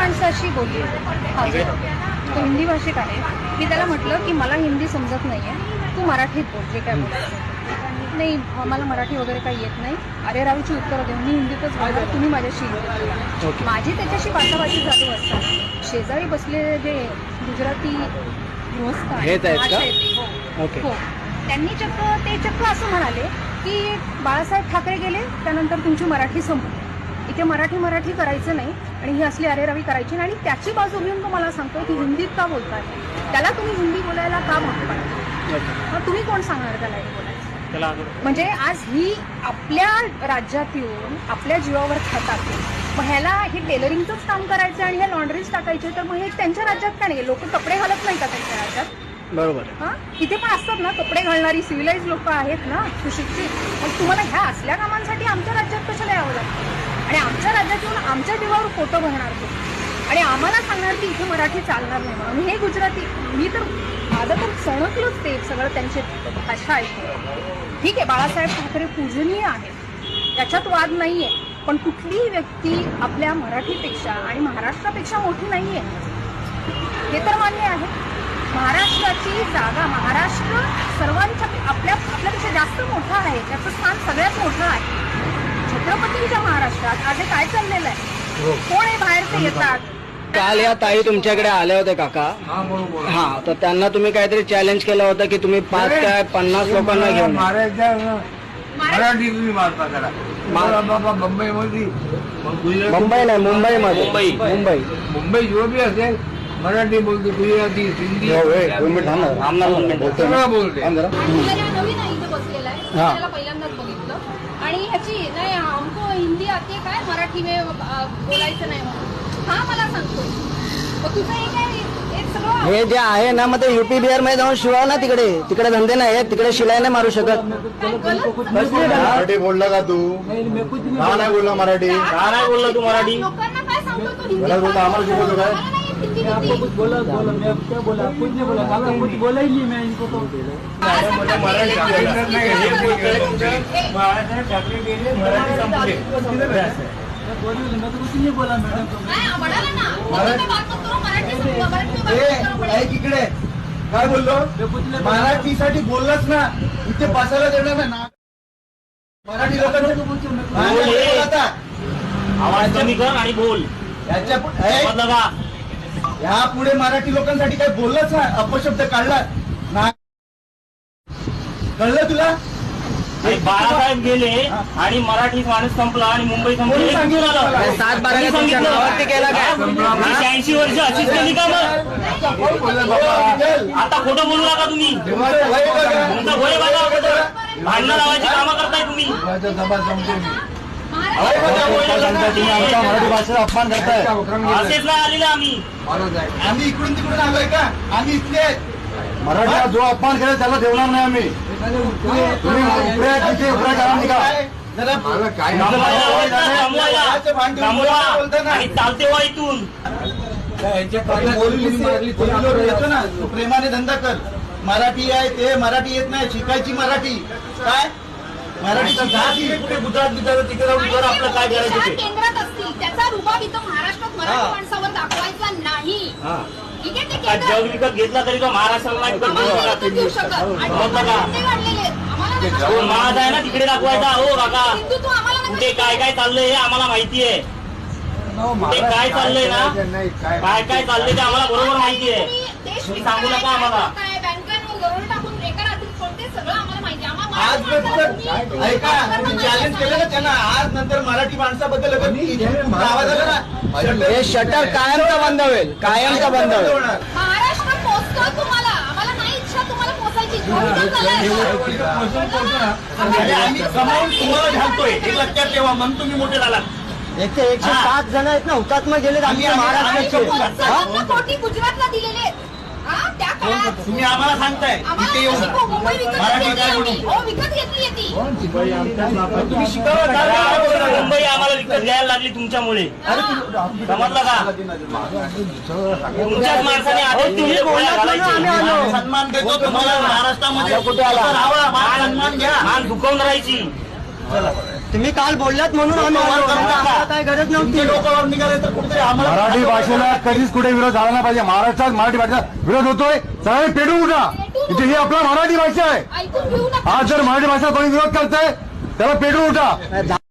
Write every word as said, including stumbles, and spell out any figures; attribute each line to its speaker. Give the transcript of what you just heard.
Speaker 1: माणसाशी बोलली हा तो हिंदी भाषिक आहे. मी त्याला म्हटलं की मला हिंदी समजत नाही आहे, तू मराठीत बोल जे काय बोलायचं. नाही मला मराठी वगैरे काही येत नाही, अरे रावीची उत्तरं देऊन मी हिंदीतच बोलणार, तुम्ही माझ्याशी हिंदीत बोला. माझी त्याच्याशी बाचाबाची चालू असताना शेजारी बसलेले जे गुजराती गृहस्थ आहेत हो हो त्यांनी चक्क ते चक्क असं म्हणाले की बाळासाहेब ठाकरे गेले त्यानंतर तुमची मराठी संपली, इथे मराठी मराठी करायचं नाही आणि ही असली अरेरावी करायची नाही. आणि त्याची बाजू घेऊन तो मला सांगतो की हिंदीत का बोलताय, त्याला तुम्ही हिंदी बोलायला का भाग पाडता, मग तुम्ही कोण सांगणार त्याला हे बोलायचं. म्हणजे आज ही आपल्या राज्यात येऊन आपल्या जीवावर खातात, मग ह्याला हे टेलरिंगचंच काम करायचं आणि हे लॉन्ड्रीज टाकायचे, तर मग हे त्यांच्या राज्यात का नाही, लोक कपडे घालत नाही का त्यांच्या राज्यात. बरोबर हा इथे पण असतात ना कपडे घालणारी सिव्हिलाइज लोक आहेत ना सुशिक्षित, मग तुम्हाला ह्या असल्या कामांसाठी आमच्या राज्यात कशाला यावं लागतं आणि आमच्या राज्यात येऊन आमच्या जीवावर फोटो भरणार तो आणि आम्हाला सांगणार की इथे मराठी चालणार नाही म्हणून. हे गुजराती मी तर माझं तर सणकलोच ते सगळं त्यांची भाषा ऐकून. ठीक आहे बाळासाहेब ठाकरे पूजनीय आहेत त्याच्यात वाद नाहीये, पण कुठलीही व्यक्ती आपल्या मराठीपेक्षा आणि महाराष्ट्रापेक्षा मोठी नाहीये हे तर मान्य आहे. महाराष्ट्राची जागा महाराष्ट्र सर्वांच्या आपल्या आपल्यापेक्षा जास्त मोठा आहे, त्याचं स्थान सगळ्यात मोठं आहे. छत्रपतींच्या महाराष्ट्रात आज हे काय चाललेलं आहे, कोण हे बाहेरचे येतात.
Speaker 2: काल या ताई तुमच्याकडे आल्या होत्या काका, हा तर त्यांना तुम्ही काहीतरी चॅलेंज केलं होतं की तुम्ही पाच काय पन्नास लोकांना घेऊन
Speaker 3: मराठी तुम्ही मारता करा बाबा मुंबई मध्ये
Speaker 2: मुंबई नाही मुंबईमध्ये मुंबई मुंबई
Speaker 3: मुंबई जो भी असेल मराठी बोलते, गुजराती, हिंदी सगळं बोलते.
Speaker 1: नवीन आहे इथे बसलेला आहे, त्याला पहिल्यांदाच बघितलं आणि ह्याची नाही हमको हिंदी आते काय मराठी में बोलायचं नाही म्हणून हा मला सांगतोय. मग तुझं हे काय
Speaker 2: हे जे आहे ना मग ते युपी बिहार मध्ये जाऊन शिवाय ना, तिकडे तिकडे धंदे नाही आहेत, तिकडे शिलाई नाही मारू शकत.
Speaker 4: मराठी बोलला का तू, का नाही बोलला मराठी, का नाही बोलला तू मराठी,
Speaker 1: लोकांना काय सांगतो
Speaker 4: मला बोलतो आम्हाला शिकवतो काय.
Speaker 5: आपको कुछ बोला बोला मैं क्या बोला कुछ नहीं बोला, आपको कुछ बोला ही नहीं मैं इनको तो
Speaker 3: मराठी ठाकरे गेले मराठी संपले
Speaker 5: मैं तो कुछ नहीं बोला
Speaker 4: मराठी इकडे काय बोललो, मराठीसाठी बोललाच ना, इथे बसायला देणार ना मराठी लोकांना.
Speaker 2: आवाज कमी कर आणि बोल.
Speaker 4: याच्या ह्या पुढे मराठी लोकांसाठी काही बोललाच ना, अपशब्द काढला ना, कळलं तुला.
Speaker 2: बाळासाहेब गेले आणि मराठी माणूस संपला आणि मुंबई संपली. सात बारा केला काय शहाऐंशी वर्ष अशीच केली का मग. आता खोटं बोलू नका तुम्ही, तुमचा भोय बघा, भांडणं लावायची कामं करताय तुम्ही.
Speaker 4: मराठी भाषेचा अपमान करताय.
Speaker 2: असेच नाही आलेले आम्ही
Speaker 4: आम्ही इकडून तिकडून आलोय का, आम्ही इथले आहेत. मराठीला जो अपमान केला त्याला ठेवणार नाही आम्ही. तुम्ही उपऱ्या तिथे उपऱ्या करा निघा.
Speaker 2: चालते वा इथून
Speaker 4: येतो ना, तू प्रेमाने धंदा कर. मराठी आहे ते मराठी येत नाही, शिकायची मराठी. काय मराठी कुठे गुजरात बिजरात तिकडे जाऊन कर आपलं काय करायचं ते.
Speaker 1: केंद्रात असतील त्याचा रुबाब इथं महाराष्ट्रात मराठी माणसावर दाखवायचा नाही. ठीक आहे, ते
Speaker 2: जग विकत घेतला तरी तो महाराष्ट्राला
Speaker 1: देऊ शकत
Speaker 2: महाराज आहे ना तिकडे दाखवायचा. हो काका कुठे काय काय चाललंय हे आम्हाला माहिती आहे, कुठे काय चाललंय ना, काय काय चाललंय ते आम्हाला बरोबर माहिती आहे. तुम्ही सांगू नका आम्हाला.
Speaker 4: आज ऐका चॅलेंज केलं ना त्यांना, आज नंतर मराठी माणसाबद्दल आवाज आला ना,
Speaker 2: हे शटर कायमचा बंद होईल, कायमचा बंद होईल.
Speaker 1: महाराष्ट्र पोचतोय तुम्हाला, आम्हाला नाही इच्छा तुम्हाला पोचायची.
Speaker 4: आम्ही कमावून तुम्हाला घालतोय हे लक्षात ठेवा, म्हणून तुम्ही मोठे झालात.
Speaker 2: एकशे एकशे पाच जण आहेत ना हुतात्मा गेलेत आमच्या महाराष्ट्राचे.
Speaker 1: कोटी गुजरातला दिलेले
Speaker 4: तुम्ही आम्हाला सांगताय इथे येऊन मराठी काय म्हणून
Speaker 1: विकत घेतली ती.
Speaker 4: तुम्ही शिकावं.
Speaker 2: मुंबई आम्हाला विकत घ्यायला लागली तुमच्यामुळे, समजलं का. तुमच्याच माणसाने आधी
Speaker 4: सन्मान देतो तुम्हाला महाराष्ट्रामध्ये कुठे आला, सन्मान घ्या,
Speaker 2: मान दुखवून राहायची.
Speaker 5: तुम्ही काल बोललात म्हणून आम्ही
Speaker 4: लोकं वर
Speaker 5: आलो.
Speaker 4: करू नका.
Speaker 5: आम्हाला काय गरज
Speaker 4: तुमचे
Speaker 5: नव्हती.
Speaker 4: लोक वर निघाले तर कुठेतरी आम्हाला
Speaker 6: मराठी भाषेला कधीच कुठे विरोध झाला नाही पाहिजे. महाराष्ट्रात मराठी भाषेचा विरोध होतोय, सगळे पेटून उठा. इथे ही आपला मराठी भाषा आहे.
Speaker 1: ऐकून घेऊ नका.
Speaker 6: आज जर मराठी भाषा कोणी विरोध करताय त्याला पेटून उठा.